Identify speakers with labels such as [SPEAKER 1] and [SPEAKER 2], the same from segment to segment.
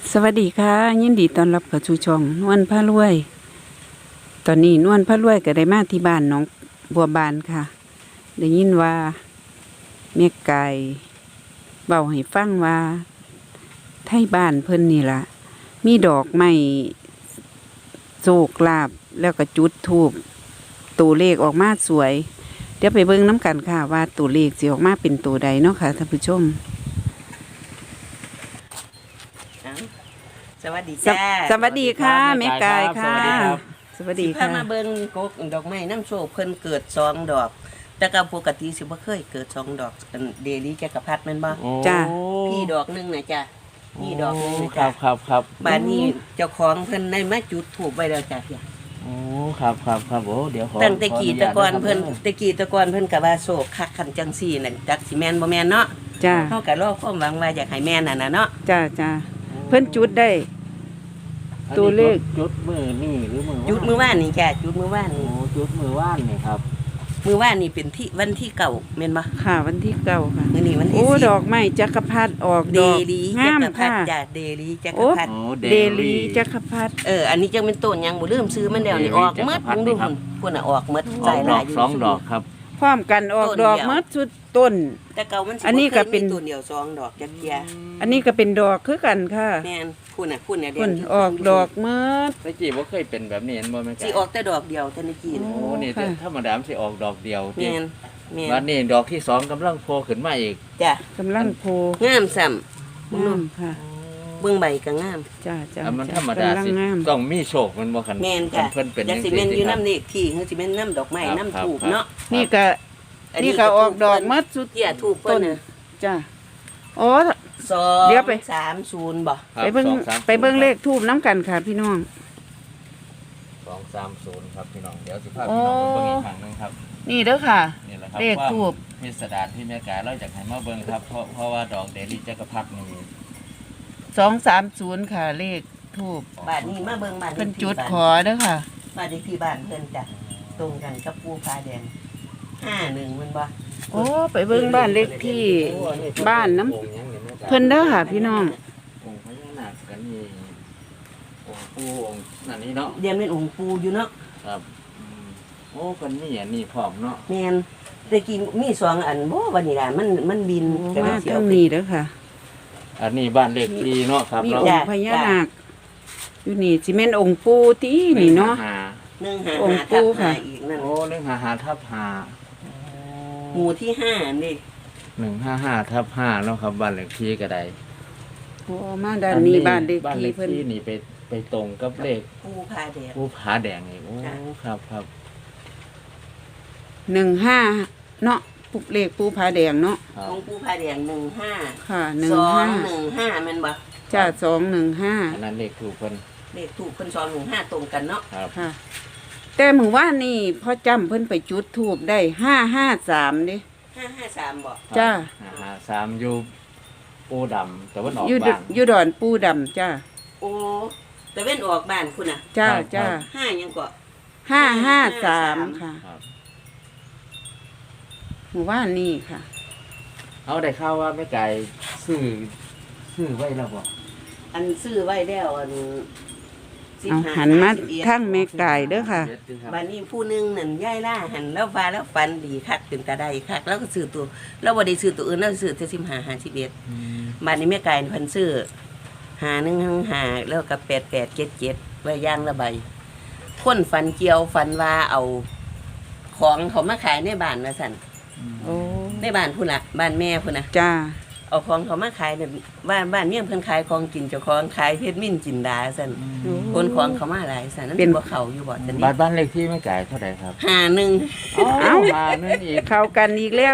[SPEAKER 1] สวัสดีค่ะยินดีต้อนรับเข้าสู่ช่องนวลพารวยตอนนี้นวลพารวยก็ได้มาที่บ้านน้องบัวบานค่ะได้ยินว่าแม่ไก่เบาให้ฟังว่าไทยบ้านเพิ่นนี่ล่ะมีดอกไม้โศกลาบแล้วก็จุดธูปตัวเลขออกมาสวยเดี๋ยวไปเบิ่งน้ำกันค่ะว่าตัวเลขสิออกมาเป็นตัวใดเนาะค่ะท่านผู้ชม
[SPEAKER 2] สวัสดีจ้า
[SPEAKER 1] สวัสดีค่ะแม่ไก่ค่ะสวัสดี
[SPEAKER 2] พา
[SPEAKER 1] ค่ะ
[SPEAKER 2] มาเบิ่งกกดอกไม้น้ำโชคเพิ่นเกิด2 ดอก แต่ก็ปกติสิบ่เคยเกิด2 ดอกอันเดลี่จักรพรรดิแม่นบ่
[SPEAKER 1] จ้า
[SPEAKER 2] พี่ดอกหนึงน่ะจ้ะพี่ดอกหนึงน่ะ
[SPEAKER 3] ครั
[SPEAKER 2] จ้ะ
[SPEAKER 3] บครับครับ
[SPEAKER 2] บ้านนี้เจ้าของเพิ่นได้มาจุดธูปไว้แล้วจ้ะพี่
[SPEAKER 3] โอ้ครับครับครับโอ้เดี๋ยวขอ
[SPEAKER 2] ตั้งแต่กี้
[SPEAKER 3] ข
[SPEAKER 2] แตะกอน
[SPEAKER 3] ญา
[SPEAKER 2] เพิ่น
[SPEAKER 3] ครับ
[SPEAKER 2] แต่กี้แตะกอนเพิ่นก็ว่าโศกคักคันจังซี่น่ะจักสิแม่นบ่แม่นเนาะ
[SPEAKER 1] จ้า
[SPEAKER 2] เฮาก็รอความหวังว่าอยากให้แม่นน่ะนะเนาะ
[SPEAKER 1] จ้าจ้าเพิ่นจุดได้
[SPEAKER 3] อันนี้
[SPEAKER 1] ตัวเลข
[SPEAKER 3] จุดมือนี่หรือมือ
[SPEAKER 2] จุดมื้อวานนี่จ้ะจุดมื้อวาน
[SPEAKER 3] โอ้
[SPEAKER 2] นี่
[SPEAKER 3] จุดมือว่านนี่ครับ
[SPEAKER 2] มื้อวานนี่เป็นที่วันที่เก่าแม่นบ่
[SPEAKER 1] ค่ะวันที่เก้าค่ะ
[SPEAKER 2] มื้อนี้วันที่
[SPEAKER 1] โอ้
[SPEAKER 2] 10
[SPEAKER 1] ดอกไม้จักรพรรดิออก
[SPEAKER 2] เด
[SPEAKER 1] ดอก
[SPEAKER 2] ลีจั
[SPEAKER 1] งาม
[SPEAKER 2] กรพรร
[SPEAKER 1] ค่ะ
[SPEAKER 2] ดิจ้ะเดลีจักรพรรดิ
[SPEAKER 3] โอ้
[SPEAKER 1] เดลีจักรพรรดิ
[SPEAKER 2] อันนี้จังเป็นต้นยังบ่ลืมซื้อมันแล้วนี่
[SPEAKER 3] เดลี
[SPEAKER 2] ออกหมด
[SPEAKER 3] จักรพรรดิ
[SPEAKER 2] ดู
[SPEAKER 3] ครั
[SPEAKER 2] พุ่
[SPEAKER 3] บ
[SPEAKER 2] นน่ะออกหมด
[SPEAKER 3] อ
[SPEAKER 2] ใจ
[SPEAKER 3] อก
[SPEAKER 2] ห
[SPEAKER 3] ด
[SPEAKER 2] ลา
[SPEAKER 3] อย ก
[SPEAKER 2] อยู่
[SPEAKER 3] 2 ดอกครับ
[SPEAKER 1] พร้อมกันออก
[SPEAKER 2] ต้น
[SPEAKER 1] ดอก
[SPEAKER 2] เดียว
[SPEAKER 1] หมดสุดต้น
[SPEAKER 2] แต่เก่ามันสิ
[SPEAKER 1] อันนี้ก็เป็น
[SPEAKER 2] บ่คยมีต้นเดียว2 ดอกจักเที่ย
[SPEAKER 1] อันนี้ก็เป็นดอกคือกันค่ะ
[SPEAKER 2] แม่นพุ่นน่ะเดี๋
[SPEAKER 1] เพิ่
[SPEAKER 2] ยวน
[SPEAKER 1] ออกดอกหมด
[SPEAKER 3] ตะกี้บ่เคยเป็นแบบนี้เห็นบ่แม่ไก่
[SPEAKER 2] สิออกแต่ดอกเดียวแต่ในกี้น่ะ
[SPEAKER 3] โอ้นี่
[SPEAKER 1] ค่ะ
[SPEAKER 3] ธรรมดามันสิออกดอกเดียว
[SPEAKER 2] แม่นแม่
[SPEAKER 3] วัน
[SPEAKER 2] น
[SPEAKER 3] นี้ดอกที่2กำลังโผล่ขึ้นมาอีก
[SPEAKER 2] จ้ะ
[SPEAKER 1] กำลังโพ
[SPEAKER 2] งามซ้ำ
[SPEAKER 1] งามค่ะ
[SPEAKER 2] เบิ่งใบก็งาม
[SPEAKER 1] จ้าจ้า
[SPEAKER 3] อันมัน
[SPEAKER 1] จ้
[SPEAKER 3] ธรรมดาก
[SPEAKER 1] ำลัง
[SPEAKER 3] สิ
[SPEAKER 1] งาม
[SPEAKER 3] ต้องมีโชคมันบ่คัน
[SPEAKER 2] แม่นจ้ะ
[SPEAKER 3] เพิ่นเป็น
[SPEAKER 2] จักสิแม่นอยู่น้ำนี่ที่คือสิแม่นน้ำดอกไม้
[SPEAKER 3] ครับ
[SPEAKER 2] น้ำ
[SPEAKER 3] ครับ
[SPEAKER 2] ถูก
[SPEAKER 3] ครับ
[SPEAKER 2] เนาะ
[SPEAKER 1] นี่ก็
[SPEAKER 2] อั
[SPEAKER 1] นี่ก็ออกดอกหมดสุด
[SPEAKER 2] เที่ยถูกเพิ่นน่ะ
[SPEAKER 1] จ้าโอ้
[SPEAKER 2] 2
[SPEAKER 1] เดี๋ยวไป
[SPEAKER 2] 30บ่
[SPEAKER 3] ครับ
[SPEAKER 1] ไปเบิ่ง
[SPEAKER 3] 2 3
[SPEAKER 1] ไปเบิ่งเลขทูบน้ำกันค่ะพี่น้อง
[SPEAKER 3] 230ครับพี่น้องเดี๋ยวสิพาพี่น้องไปเบิ่งอีกครั้งหนึงครับ
[SPEAKER 1] นี่เด้อค่ะ
[SPEAKER 3] นี่แหละครับ
[SPEAKER 1] เลขทูป
[SPEAKER 3] ความพิสดารที่แม่กาเราจากให้มาเบิ่งครับเพราะว่าดอกเดลิจักรพรรดินี่
[SPEAKER 1] 230ค่ะเลขทูบ
[SPEAKER 2] บ้านนี้มาเบิ่งบ้าน
[SPEAKER 1] เพิ่น
[SPEAKER 2] ลขที่
[SPEAKER 1] จุด
[SPEAKER 2] บ้าน
[SPEAKER 1] ขอเด้อค่ะ
[SPEAKER 2] บ้านเลขที่บ้านเพิ่นจ้ะตรงกันกับปูพาแดง51มันบ่
[SPEAKER 1] โอ้ไปเบิ่งบ้านเลขที่บ้านน้ำเพิ่นเด้อค่ะพี่น้อง
[SPEAKER 3] องค์พญานาคกันนี่องค์ปู่องค์นั่นนี่เนาะ
[SPEAKER 2] เรียนเป็นองค์ปูอยู่เนาะ
[SPEAKER 3] ครับโอ้กันนี่อันนี้พร้อมเนาะ
[SPEAKER 2] แม่นแต่กี้มี2 อันบ่วันนี้ล่ะมันบินก็
[SPEAKER 1] มา
[SPEAKER 2] เลยสิ
[SPEAKER 1] ทา
[SPEAKER 2] เอา
[SPEAKER 1] ง
[SPEAKER 2] ไป
[SPEAKER 1] นี้เด้อค่ะ
[SPEAKER 3] อันนี้บ้านเลขที่เนาะครับ
[SPEAKER 1] มี
[SPEAKER 3] เนาะ
[SPEAKER 1] องค์พญานาคอยู่นี่สิแม่นองค์ปู่ตินี่เนาะ
[SPEAKER 2] 155
[SPEAKER 1] องค์ปู่ค่ะ
[SPEAKER 2] อีกนั่น
[SPEAKER 3] โอ้155ทับ
[SPEAKER 2] หมู่ที่5นี่
[SPEAKER 3] 5 155ทับ5เนาะครับบ้านเลขที่ก็ได้
[SPEAKER 1] โอ้มาด้านนี้บ้านเลข
[SPEAKER 3] บ้าน
[SPEAKER 1] ที่
[SPEAKER 3] เลข
[SPEAKER 1] เพิ่น
[SPEAKER 3] ที่นี่ไปตรงกับเลข
[SPEAKER 2] ปูพาแดง
[SPEAKER 3] ผู้ผาแดงอีกโอ้
[SPEAKER 2] จ้ะ
[SPEAKER 3] ครับครับ
[SPEAKER 1] 15เนาะปุกเลขปู่ผาแดงเนาะ
[SPEAKER 3] ครับ
[SPEAKER 2] องค์ปูพาแดง15
[SPEAKER 1] ค่ะ
[SPEAKER 2] 215แม่นบ่
[SPEAKER 1] 15จ้า215
[SPEAKER 3] อันนั้นเลขถูกเพิ่น
[SPEAKER 2] เลขถูกเพิ่น215ตรงกันเนาะ
[SPEAKER 3] ครับ
[SPEAKER 1] ค่ะ แต่มื้อวานนี่พ่อจำเพิ่นไปจุดธูปได้553เด้
[SPEAKER 2] 553บ่
[SPEAKER 1] จ้า
[SPEAKER 3] 3อยู่ปูดำแต่ว่าออก
[SPEAKER 1] อยู่
[SPEAKER 3] บาง
[SPEAKER 1] อยู่ดอนปูดำจ้า
[SPEAKER 2] โอ้แต่เว้นออกบ้านคุณน่ะ
[SPEAKER 1] จ้า
[SPEAKER 3] ครับ
[SPEAKER 1] จ้า
[SPEAKER 2] 5ยังก็
[SPEAKER 1] 553ค่ะ
[SPEAKER 3] ครับ
[SPEAKER 1] หมู่บ้านนี่ค่ะ
[SPEAKER 3] เอาได้ข่าวว่าแม่ไก่ซื้อไว้แล้วบ่
[SPEAKER 2] อันซื้อไว้แล้วอัน
[SPEAKER 1] เอาหันมาทางแม่ไก่เด้อค่ะ
[SPEAKER 2] บัดนี้ผู้หนึงนั่นยายล่าหันแล้วฟ้าแล้วฟันดีคักเป็นตาได้คักแล้วก็ซื้อตัวแล้วบ่ได้ซื้อตัวอื่นแล้วซื้อแต่15 51บัดนี้แม่ไก่เพิ่นซื้อ5155แล้วก็8877ไว้อย่างละใบคนฝันเกี่ยวฝันว่าเอาของเขามาขายในบ้านว่าซั่น
[SPEAKER 1] โอ้
[SPEAKER 2] ในบ้านพุ่นล่ะบ้านแม่พุ่นน่ะ
[SPEAKER 1] จ้า
[SPEAKER 2] เอาของเขามาขายเนี่ยบ้านเมี่ยงเพิ่นขายของกินเจ้าของขายเพชรมิ้นจินดาซั่นคนของเขามาหลายซั่นนั่นเป็นบ่เขาอยู่บ่ซั่น
[SPEAKER 3] บ้านเลขที่แม่ไก่เท่าไหร่ครับ
[SPEAKER 2] 51
[SPEAKER 1] เอ้า
[SPEAKER 3] มานั่นอีก
[SPEAKER 1] เข้ากันอีกแล้ว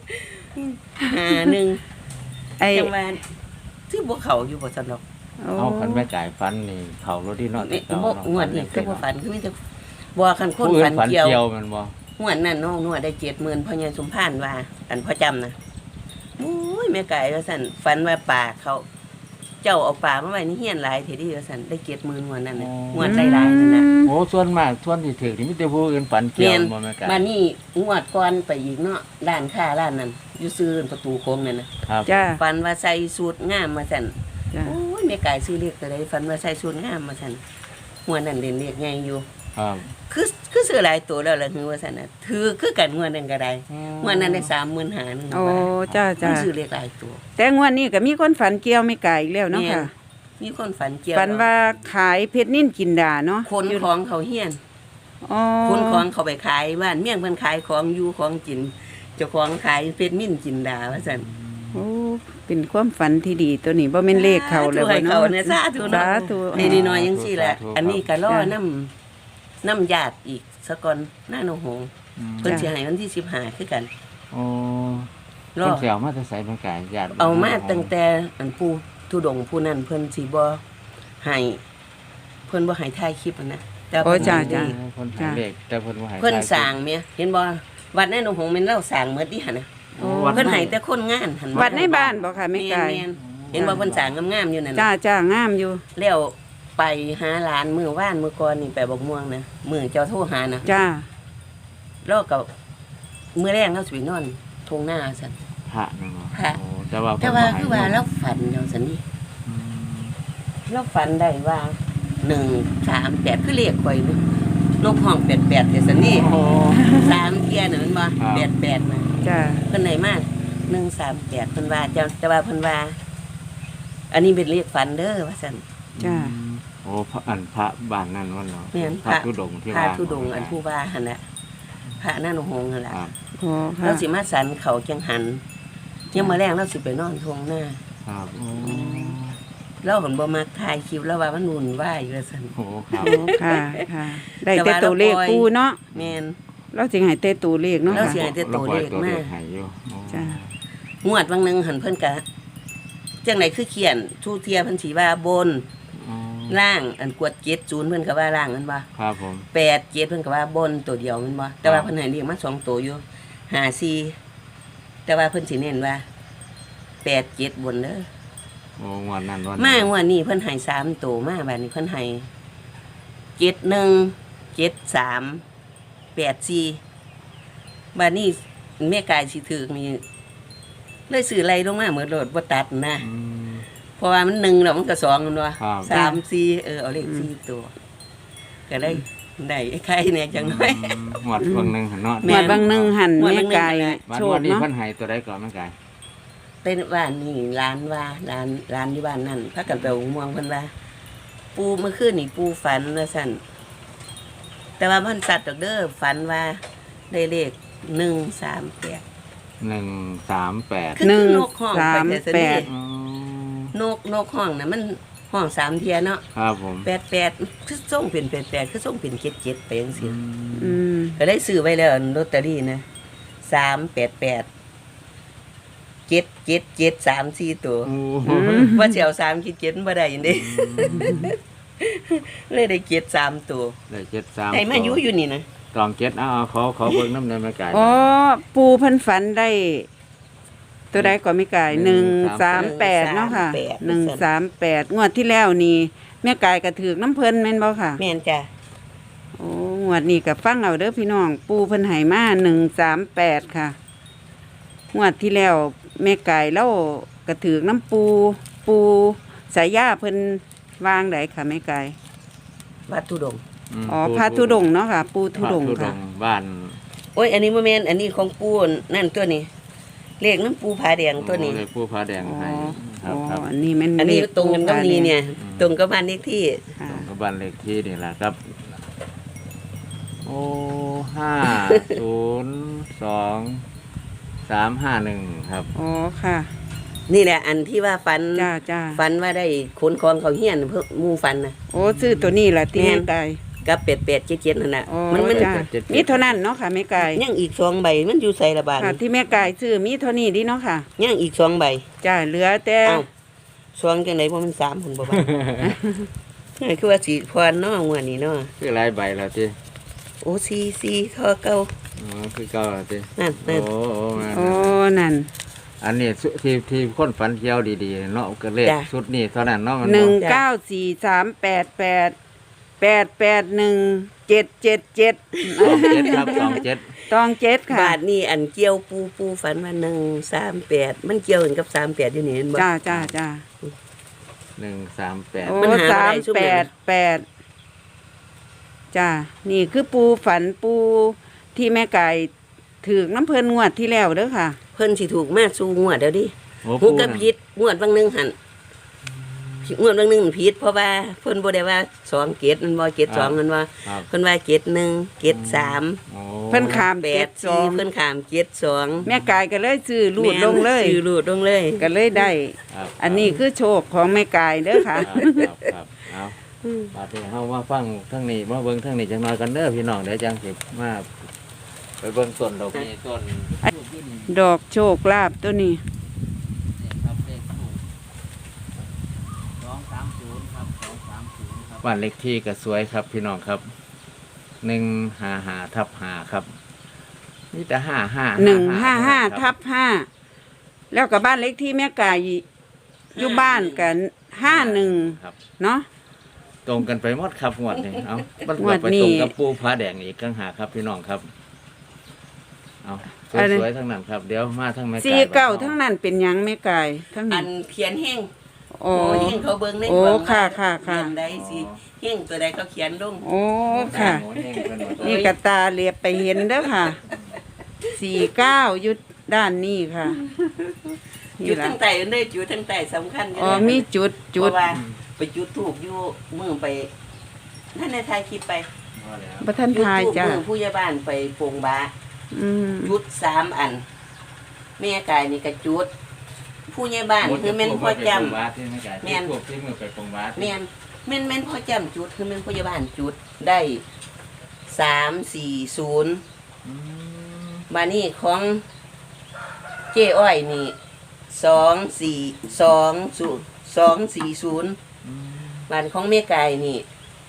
[SPEAKER 2] 51
[SPEAKER 1] ไอ้
[SPEAKER 2] จังว่าซื้อบ่เขาอยู่บ่ซั่นดอก
[SPEAKER 1] โอ้
[SPEAKER 3] เอาคันแม่ไก่ฟันนี่เขารถที่เนาะ
[SPEAKER 2] นี่
[SPEAKER 3] แต่เก่า
[SPEAKER 2] บ่
[SPEAKER 3] เนาะ
[SPEAKER 2] งวดนี้คือบ่ฝันคือมีแต่บ่คันค
[SPEAKER 3] ผู้
[SPEAKER 2] น
[SPEAKER 3] อื่
[SPEAKER 2] ฝั
[SPEAKER 3] น
[SPEAKER 2] น
[SPEAKER 3] ฝัน
[SPEAKER 2] เกี่ยว
[SPEAKER 3] เกี่ยวมันบ่
[SPEAKER 2] งวดนั้นน้องนวดได้ 70,000พ่อใหญ่สมพานว่าอันพ่อจำนะโอ้ยแม่ไก่ว่าซั่นฝันว่าป่าเขา เจ้าเอาป่ามาไว้ในเฮียนหลายเท่าดีว่าซั่นได้70,000งวดนั้นน่ะงวดหลายๆนั่นน่ะ
[SPEAKER 3] โอ้ส่วนมากส่วนที่ถือนี่มีแต่ผู้อื่นฝันเกี่ยวบ่แม่ไก่
[SPEAKER 2] มานี่งวดก่อนไปอีกเนาะร้านค้าร้านนั้นอยู่ซื้อประตูโค้งนั่นนะครับ
[SPEAKER 1] จ้า
[SPEAKER 2] ฝันว่าใส่สูทงามมาสั่น
[SPEAKER 1] จ้า
[SPEAKER 2] โอ้ยแม่กายซื้อเลขตัวใดฝันว่าใส่ชุดงามมาซั่นงวดนั้นเล่นเลขใหญ่อยู่
[SPEAKER 3] ครับ
[SPEAKER 2] คือซื้อหลายตัวแล้วล่ะคือว่าซั่นน่ะถือคือกันงวดนั้นก็ได้งวดนั้นได้35,000นึง
[SPEAKER 1] โอ้จ้าจ้า
[SPEAKER 2] ซื้อเลขหลายตัว
[SPEAKER 1] แต่งวดนี้ก็มีคนฝันเกี่ยวแม่กายอีกแล้วเนาะค่ะ
[SPEAKER 2] มีคนฝันเกี่ยว
[SPEAKER 1] ฝันว่าขายเพชรนิ่นกินดาเนาะ
[SPEAKER 2] คนของเขาเฮียน
[SPEAKER 1] อ๋อ
[SPEAKER 2] คนของเขาไปขายบ้านเมี่ยงเพิ่นขายของอยู่ของกินเจ้าของขายเพชรมิ่นจินดาว่าซั่น
[SPEAKER 1] โอ้เป็นความฝันที่ดีตัวนี้บ่แม่นเลขเขาแล้ว
[SPEAKER 2] ให้
[SPEAKER 1] บ่
[SPEAKER 2] เขา
[SPEAKER 1] เนาะ
[SPEAKER 2] เนี่ยสาธุ
[SPEAKER 1] สา
[SPEAKER 2] เนาะ
[SPEAKER 1] ธุ
[SPEAKER 2] นี่น้อยจังซี่แหละอันนี้ก็รอน้ำญาติอีกซะก่อนหน้าโนหงเพิ่นสิให้วันที่15คือกัน
[SPEAKER 3] โอ้
[SPEAKER 2] รอ
[SPEAKER 3] คนเสียวมาแต่ใส่แม่กายญาติ
[SPEAKER 2] เอามาตั้งแต่อันผู้ทุดงค์ผู้นั้นเพิ่นสิบ่ให้เพิ่นบ่ให้ถ่ายคลิปอะนะแต่
[SPEAKER 1] โอ้
[SPEAKER 2] เพิ่น
[SPEAKER 1] จ้า
[SPEAKER 2] ให้
[SPEAKER 1] จ้า
[SPEAKER 3] คนหายเลขแต่เพิ่นบ่ใหาย
[SPEAKER 2] เพิ่นสร้างแม่เห็นบ่วัดในโนหงแม่นเราสร้างหมดดิหั่นน่ะ
[SPEAKER 1] โอ้
[SPEAKER 2] เพิ่นให้แต่คนงานหั่น
[SPEAKER 1] วัดในบ้านบ่ค่ะแม่กาย
[SPEAKER 2] แม่นๆเห็นบ่เพิ่นสร้างงามๆอยู่นั่น
[SPEAKER 1] จ้า
[SPEAKER 2] น่ะ
[SPEAKER 1] จ้างามอยู่
[SPEAKER 2] แล้วไปหาหลานมื้อว่านมื้อก่อนนี่ไปบกม่วงนะมื้อเจ้าโทรหานะ
[SPEAKER 1] จ้า
[SPEAKER 2] แล้วก็มื้อแรกเราสิไปนอนทงหน้าซั่น
[SPEAKER 3] พระนั่นเนาะ
[SPEAKER 2] พระ
[SPEAKER 3] โอ้แต่ว่า
[SPEAKER 2] แต่ว่า
[SPEAKER 3] เพิ่นบ่ให้
[SPEAKER 2] คือว่าเราฝันจังซั่นนี่
[SPEAKER 3] อืม
[SPEAKER 2] เราฝันได้ว่า138คือเลขข่อยนึนกห้อง88แต่ซั่นนี่
[SPEAKER 3] โอ้
[SPEAKER 2] 3เที่ยน่ะมันบ่
[SPEAKER 3] ครับ
[SPEAKER 2] 88นะ
[SPEAKER 1] จ้า
[SPEAKER 2] เพิ่นได้มา138เพิ่นว่าแต่ว่าเพิ่นว่า อันนี้เป็นเลขฝันเด้อว่าซั่น
[SPEAKER 1] จ้า
[SPEAKER 3] โอ้พระอันพระบ้านนั่นวันเนาะ
[SPEAKER 2] แม่น
[SPEAKER 3] พระธุดงค์ที่
[SPEAKER 2] พระ
[SPEAKER 3] ว่า
[SPEAKER 2] ธุดงค์อันผู้ว่าหั่นน่ะพระนั่นหงส์นั่นล่ะ
[SPEAKER 3] ครับ
[SPEAKER 1] โอ้ค่ะ
[SPEAKER 2] เราสิมาสันเขาจังหันยังมาแรงเราสิไปนอนทวงหน้า
[SPEAKER 3] ครับโอ้
[SPEAKER 2] เราผลบ่มาถ่ายคลิปแล้วว่ามันวุ่นวายอยู่ว่าซั่น
[SPEAKER 3] โหครับ
[SPEAKER 1] โอ้ค่ะค่ะ ได้แต่ตัวเลขปูเนาะ
[SPEAKER 2] แม่น
[SPEAKER 1] เราสิให้แต่ตัวเลขเนาะ
[SPEAKER 2] เรา
[SPEAKER 1] ค่ะ
[SPEAKER 2] สิให้แต่ตัวเลขมา
[SPEAKER 3] ให้อยู่โอ้
[SPEAKER 1] จ้า
[SPEAKER 2] งวดบางหนึงหันเพิ่นกะจังไดคือเขียนทูเทียเพิ่นสิว่าบน
[SPEAKER 3] อ๋อ
[SPEAKER 2] ล่างอันกวด70เพิ่นก็ว่าล่างมันบ่
[SPEAKER 3] ครับผม
[SPEAKER 2] 87เพิ่นก็ว่าบนตัวเดียวมันบ่แต่ว่าเพิ่นให้เรียกมา2ตัวอยู่54แต่ว่าเพิ่นสิเน้นว่า87บนเด้อ
[SPEAKER 3] โอ้งวดนั้นวัน
[SPEAKER 2] มางวดนี้เพิ่นให้3ตัวมาบัดนี้เพิ่นให้71 73 84บัดนี้แม่กายสิถึกนี่เลยซื้อไล่ลงมาเหมือนโลดบ่ตัดนะ
[SPEAKER 3] อืม
[SPEAKER 2] เพราะว่ามัน1แล้วมันก็2มันว่า
[SPEAKER 3] ครับ
[SPEAKER 2] 3 4เอาเลข4ตัวก็ได้ไอ้ไข่เนี่ยจังน้อย
[SPEAKER 3] งวดเพิ่งหนึงหั่นเนาะ
[SPEAKER 2] แม่
[SPEAKER 1] หมวดบางหนึงหัน
[SPEAKER 2] หมวด
[SPEAKER 1] แม่
[SPEAKER 2] บางหนึ่ง
[SPEAKER 1] ไก่
[SPEAKER 2] หันน่ะ
[SPEAKER 3] วัน
[SPEAKER 1] โช
[SPEAKER 3] วั
[SPEAKER 1] คน
[SPEAKER 3] นี้
[SPEAKER 1] เนาะ
[SPEAKER 3] เพิ่นให้ตัวใดก่อนแม่กาย
[SPEAKER 2] เป็นบ้านนี่ร้านว่าร้านอยู่บ้านนั่นพากันไปเอาม่วงเพิ่นว่า ปูเมื่อคืนนี่ปูฝันว่าซั่นแต่ว่ามันสัตว์ดอกเด้อฝันว่าได้เลข138
[SPEAKER 3] 138
[SPEAKER 2] คือ
[SPEAKER 1] หนึ่ง
[SPEAKER 2] นกห้อง
[SPEAKER 1] สาม
[SPEAKER 2] ไปแต่
[SPEAKER 1] แป
[SPEAKER 2] ซั่น
[SPEAKER 1] ด
[SPEAKER 3] อ๋อน
[SPEAKER 2] กห้องน่ะมันห้อง3เที่ยเนาะ
[SPEAKER 3] ครับผม
[SPEAKER 2] 88คือส่งเป็น88คือส่งเป็น77ไปจังซี่
[SPEAKER 1] อืม
[SPEAKER 2] ก็ได้ซื้อไว้แล้วลอตเตอรี่นะ388 7 3 4ตัว
[SPEAKER 3] โอ้โห
[SPEAKER 2] ว่าสิเอา3คิด7บ่ได้ยังเด้ เลยได้7 3ตัว
[SPEAKER 3] ได้73
[SPEAKER 2] ได้มาอยู่นี่นะ
[SPEAKER 3] ตอง7เอาขอเบิ่งน้ำในแม่กาย
[SPEAKER 1] อ๋อปูเพิ่นฝันได้ ตัวใดก็ไม่ไก่138เนาะค่ะ138งวดที่แล้วนี่แม่กายก็ถือน้ำเพิ่นแม่นบ่ค่ะ
[SPEAKER 2] แม่นจ้ะ
[SPEAKER 1] โอ้งวดนี้ก็ฟังเอาเด้อพี่น้อง ปูเพิ่นให้มา138ค่ะงวดที่แล้วแม่ไก่เล่ากระถือน้ำปูสายยาเพิ่นวางไดค่ะแม่ไก่
[SPEAKER 2] วัดทุดงค์
[SPEAKER 1] อ๋อพระธุดงค์เนาะค่ะ ปูธุดงค์
[SPEAKER 3] พระ
[SPEAKER 1] ค่ะ
[SPEAKER 3] บ้าน
[SPEAKER 2] โอ้ยอันนี้บ่แม่นอันนี้ของปูนั่นตัวนี้เลขน้ำปูผาแดงตัวนี้
[SPEAKER 3] โอ้เลยผู้พระแดง
[SPEAKER 1] อ๋อ
[SPEAKER 3] ให้ค
[SPEAKER 1] อ๋
[SPEAKER 3] รั
[SPEAKER 1] อบ
[SPEAKER 3] ครับ
[SPEAKER 1] อันนี้แม่น
[SPEAKER 2] อันนี้
[SPEAKER 1] เลข
[SPEAKER 2] ตรงกันกับนี้เนี่ย ตรงกับบ้านเลขที่
[SPEAKER 1] ค่ะ
[SPEAKER 3] ตรงกับบ้านเลขที่นี่แหละครับ โอ้502-351ครับ
[SPEAKER 1] อ๋อค่ะ
[SPEAKER 2] นี่แหละอันที่ว่าฝัน
[SPEAKER 1] จ้าจ้า
[SPEAKER 2] ฝันว่าได้ขนของเขาเฮียนเพิ่นหมู่ฝันนะ
[SPEAKER 1] โอ้ซื้อตัวนี้ล่ะที่
[SPEAKER 2] แม่
[SPEAKER 1] แม่
[SPEAKER 2] น
[SPEAKER 1] ไก่
[SPEAKER 2] กับ8877นั่นน่ะ
[SPEAKER 1] อ๋อ
[SPEAKER 2] มัน
[SPEAKER 1] จ้ามีเท่านั้นเนาะค่ะแม่ไก่
[SPEAKER 2] ยังอีก2ใบมันอยู่ใส่ละบาท
[SPEAKER 1] ค่ะ ที่แม่ไก่ซื้อมีเท่านี้ดิเนาะค่ะ
[SPEAKER 2] ยังอีก2ใบ
[SPEAKER 1] จ้าเหลือแต่
[SPEAKER 2] เอ้า2จังได๋บ่มัน3พุ่นบ่บาท คือว่าสิพรเนาะงวดนี้เนาะ
[SPEAKER 3] คือหลายใบแล้วติ
[SPEAKER 2] โอ้44ข้อเก่า
[SPEAKER 3] อ๋อคือเก่าแล้วติ
[SPEAKER 2] นั่น
[SPEAKER 3] โอ้โอ้มา
[SPEAKER 1] โอ้นั่น
[SPEAKER 3] อันนี้สุที่คนฝันเที่ยวดีๆเนาะก็เลขชุดนี้เท่านั้นเนาะมัน
[SPEAKER 1] 194388777
[SPEAKER 3] 27ครับ27
[SPEAKER 1] ตองเจ็ดค่ะ
[SPEAKER 2] บาทนี่อันเกี่ยวปูฝันว่า138มันเกี่ยวกันกับ38อยู่นี่เห็นบ่
[SPEAKER 1] จ้าจ้าจ้า
[SPEAKER 3] 138
[SPEAKER 1] โอ้
[SPEAKER 2] มันหาบ่ได้ซุมื้อนี้
[SPEAKER 1] 388จ้านี่คือปูฝันปูที่แม่ไก่ถือน้ำเพิ่นงวดที่แล้วเด้อค่ะ
[SPEAKER 2] เพิ่นสิถูกมาสู่งวดเดี๋ยวดิ
[SPEAKER 3] โอ้
[SPEAKER 2] หู
[SPEAKER 3] ปู
[SPEAKER 2] กับ
[SPEAKER 3] น่ะ
[SPEAKER 2] พิษงวดบางหนึงหั่นงวดบางหนึงผิดเพราะว่าเพิ่นบ่ได้ว่า2เกตมันบ่เกต2มันว่า
[SPEAKER 3] ครับ
[SPEAKER 2] เพิ่นว่าเกต1เกต3
[SPEAKER 3] โอ้
[SPEAKER 1] เพิ่นขาม
[SPEAKER 2] 8
[SPEAKER 1] 7
[SPEAKER 2] 4เพิ่นข้ามเกต2
[SPEAKER 1] แม่ไก่ก็เลยซื้อรูดลงเลย
[SPEAKER 2] ซื้อรูดลงเลย
[SPEAKER 1] ก็เลยได้
[SPEAKER 3] ครับ
[SPEAKER 1] อันนี้คือโชคของแม่ไก่เด้อค่ะ
[SPEAKER 3] ครับเอาบาดนี้เฮามาฟังทั้งนี้มาเบิ่งทั้งนี้จังน้อยกันเด้อพี่น้องเดี๋ยวจังสิมาไปเบิ่งต้นดอกนี้ต้น
[SPEAKER 1] ดอกโชคลาภตัวนี้
[SPEAKER 3] ครับเลขถูก230ครับ230ครับบ้านเลขที่ก็สวยครับพี่น้องครับ155/5ครับมีแต่
[SPEAKER 1] 155/5แล้วก็บ้านเล็กที่แม่ไก่อยู่บ้านกัน51
[SPEAKER 3] ครับ
[SPEAKER 1] เนาะ
[SPEAKER 3] ตรงกันไปหมดครับงวดนี้เอามัน
[SPEAKER 1] งวด
[SPEAKER 3] ไป
[SPEAKER 1] นี้
[SPEAKER 3] ตรงกับปูผาแดงอีกกังหาครับพี่น้องครับเอา
[SPEAKER 1] อันนี้
[SPEAKER 3] สวยๆทั้งนั้นครับเดี๋ยวมาทั้งแม่
[SPEAKER 1] สี่เก้า
[SPEAKER 3] บ้
[SPEAKER 1] ทั้งนั้นเป็นหยังแม่ไก่ทั้ง
[SPEAKER 2] อั
[SPEAKER 1] นั้น
[SPEAKER 2] นเขียนแห้ง
[SPEAKER 1] โอ้
[SPEAKER 2] โอ้แห้งเขาเบิ่งใน
[SPEAKER 1] โอ้
[SPEAKER 2] กล่อง
[SPEAKER 1] ค่ะ
[SPEAKER 2] ว่า
[SPEAKER 1] ค่ะค่ะ
[SPEAKER 2] เขียนได้สิแห้งตัวใดเขาเขียนลง
[SPEAKER 1] โอ้ค่ะ
[SPEAKER 3] โอ้แห้งเพิ่นว่า
[SPEAKER 1] นี่กระตาเรียบไปเห็นเด้อค่ะ49ยุดด้านนี้ค่ะ
[SPEAKER 2] จุ
[SPEAKER 1] นี่
[SPEAKER 2] ด
[SPEAKER 1] ล่ะ
[SPEAKER 2] ทั้งแต่เด้อจุดทั้งแต่สำคัญยู่
[SPEAKER 1] อ๋อ
[SPEAKER 2] นะ
[SPEAKER 1] มีจุด
[SPEAKER 2] เพราะว่าไปจุดธูปอยู่มือไปท่านในไทยคลิปไป
[SPEAKER 3] ว่าแล้ว
[SPEAKER 1] บ่ทัน
[SPEAKER 2] จุด
[SPEAKER 1] ทาย
[SPEAKER 2] ธูป
[SPEAKER 1] จ้ะ
[SPEAKER 2] มือผู้ใหญ่บ้านไปโป่งบา
[SPEAKER 1] อืม
[SPEAKER 2] จุด3 อันแม่กายนี่ก็จุด ผู้ใหญ่บ้านคือแม่นพ่อจำ
[SPEAKER 3] วัดที่ไม่ไกล
[SPEAKER 2] แม่น
[SPEAKER 3] พวกที่มือไปปงวัด
[SPEAKER 2] แม่นแม่นพ่อจำจุดคือแม่นผู้ใหญ่บ้านจุดได้340
[SPEAKER 3] อืม
[SPEAKER 2] มานี่ของเจ้อ้อยนี่24240บ้านของแม่กายนี่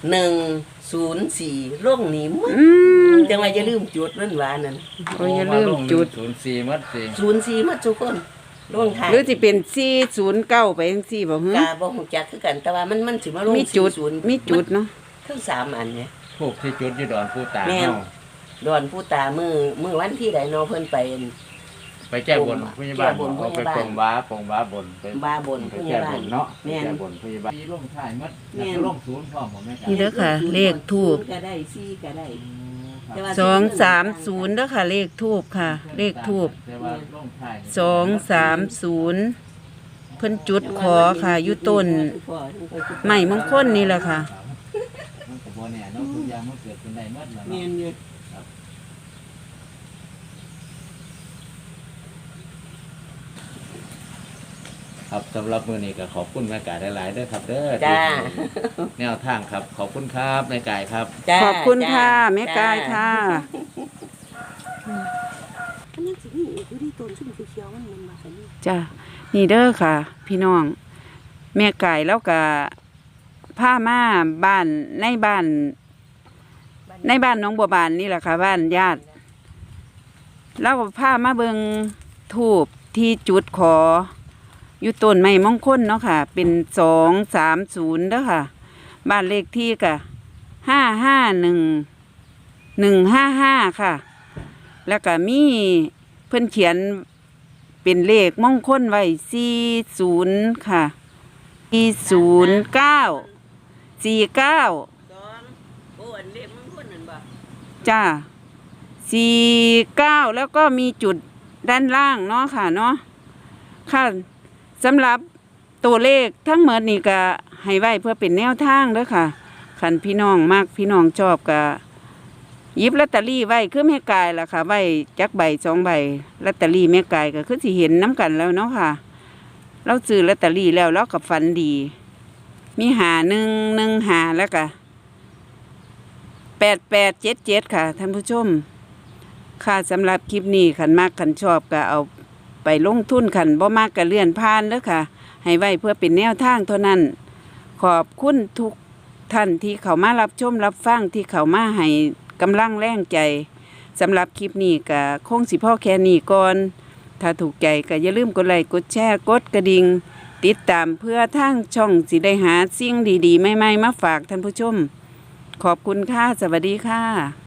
[SPEAKER 2] 104ร่งนี่หมด
[SPEAKER 1] อืม
[SPEAKER 2] จังว่าอย่าลืมจุดนั่นว่านั่น
[SPEAKER 1] โอ้ยอย่าลืมจุด
[SPEAKER 3] 04มัดสิ
[SPEAKER 2] 04หมดทุกคนร่งท้าย
[SPEAKER 1] หรือสิเป็น409ไปจังซี่บ่ฮึ
[SPEAKER 2] กาบ่ฮู้จักคือกัน แต่ว่ามันสิมาลง
[SPEAKER 1] มีจุด
[SPEAKER 2] 40
[SPEAKER 1] มีจุดเนาะ
[SPEAKER 2] ทั้ง3อันเนี่ย
[SPEAKER 3] พวกที่จุดอยู่ดอนผู้ตา
[SPEAKER 2] แม่น
[SPEAKER 3] เฮา
[SPEAKER 2] ดอนผู้ตามือวันที่ใดเนาะเพิ่นไป
[SPEAKER 3] ไปแก้บนผู้ใหญ่บ้าน
[SPEAKER 2] แก้บนผู้
[SPEAKER 3] เอา
[SPEAKER 2] ใหญ่
[SPEAKER 3] ไป
[SPEAKER 2] บ้าน
[SPEAKER 3] ปงว้าปงว้าบนไป
[SPEAKER 2] บ้าบน
[SPEAKER 3] ไป
[SPEAKER 2] ผู้ใหญ่
[SPEAKER 3] แก้
[SPEAKER 2] บ้า
[SPEAKER 3] บ
[SPEAKER 2] น
[SPEAKER 3] นเนาะ
[SPEAKER 2] แม่น
[SPEAKER 3] แก้บนผู้ใหญ่บ้านที่ลงท้ายมัด
[SPEAKER 2] แม่น
[SPEAKER 3] ลงศูนย์พร้อมบ่แม่ไก่
[SPEAKER 1] นี่เด้อค่ะ เลขทูบ
[SPEAKER 2] ก็ได้4ก็ได้แต่ว่า
[SPEAKER 1] 230เด้อค่ะ เลขทูบค่ะ เลขทูบ
[SPEAKER 3] แต่ว่าลงท้าย
[SPEAKER 1] 230เพิ่นจุดขอค่ะอยู่ต้นไม้มงคลนี่แหละค่ะ
[SPEAKER 3] มันก็บ่แน่เนาะทุกอย่างมันเกิดขึ้นได้หมดแล้ว
[SPEAKER 2] แม่
[SPEAKER 3] เนาะ
[SPEAKER 2] นอยู่
[SPEAKER 3] ครับสำหรับมื้อนี้ก็ขอบคุณแม่ไก่หลายๆเด้อครับเด้อ
[SPEAKER 2] จ้า
[SPEAKER 3] แนวทางครับขอบคุณครับแม่ไก่ครับ
[SPEAKER 2] จ้า
[SPEAKER 1] ขอบคุณ
[SPEAKER 2] จ้า
[SPEAKER 1] ค่ะ แม่กายค่ะ
[SPEAKER 2] อันนี้สิมีอีกอยู่ที่ต้นชุ่มเขียวๆมันมาซั่นนี่
[SPEAKER 1] จ้ะนี่เด้อค่ะ พี่น้อง แม่ไก่แล้วก็พามาบ้านในบ้านหน้องบัวบานนี่แหละค่ะ บ้านญาติแล้วก็พามาเบิงทูบที่จุดขอ อยู่ต้นไม้มงคลเนาะค่ะ เป็น230เด้อค่ะ บ้านเลขที่ก็551 ค่ะ แล้วก็มีเพิ่นเขียนเป็นเลขมงคลไว้40ค่ะ409 49
[SPEAKER 2] โอ้อันเล็บมันคนนั่นบ่
[SPEAKER 1] จ้า49แล้วก็มีจุดด้านล่างเนาะค่ะเนาะค่ะสำหรับตัวเลขทั้งหมดนี่ก็ให้ไว้เพื่อเป็นแนวทางเด้อค่ะคันพี่น้องมักพี่น้องชอบก็หยิบลอตเตอรี่ไว้คือแม่กายล่ะค่ะไว้จักใบ2ใบลอตเตอรี่แม่กายก็คือสิเห็นน้ำกันแล้วเนาะค่ะเราซื้อลอตเตอรี่แล้วเราก็ฝันดี มี5115แล้วก็8877ค่ะท่านผู้ชมค่ะสำหรับคลิปนี้คันมากคันชอบก็เอาไปลงทุนคันบ่มากก็เลื่อนผ่านเด้อค่ะ ให้ไว้เพื่อเป็นแนวทางเท่านั้น ขอบคุณทุกท่านที่เขามารับชมรับฟังที่เขามาให้กำลังแรงใจสำหรับคลิปนี้ก็คงสิพ่อแค่นี้ก่อน ถ้าถูกใจก็อย่าลืมกดไลค์กดแชร์กดกระดิ่งติดตามเพื่อทางช่องสิได้หาสิ่งดีๆใหม่ๆมาฝากท่านผู้ชม ขอบคุณค่ะ สวัสดีค่ะ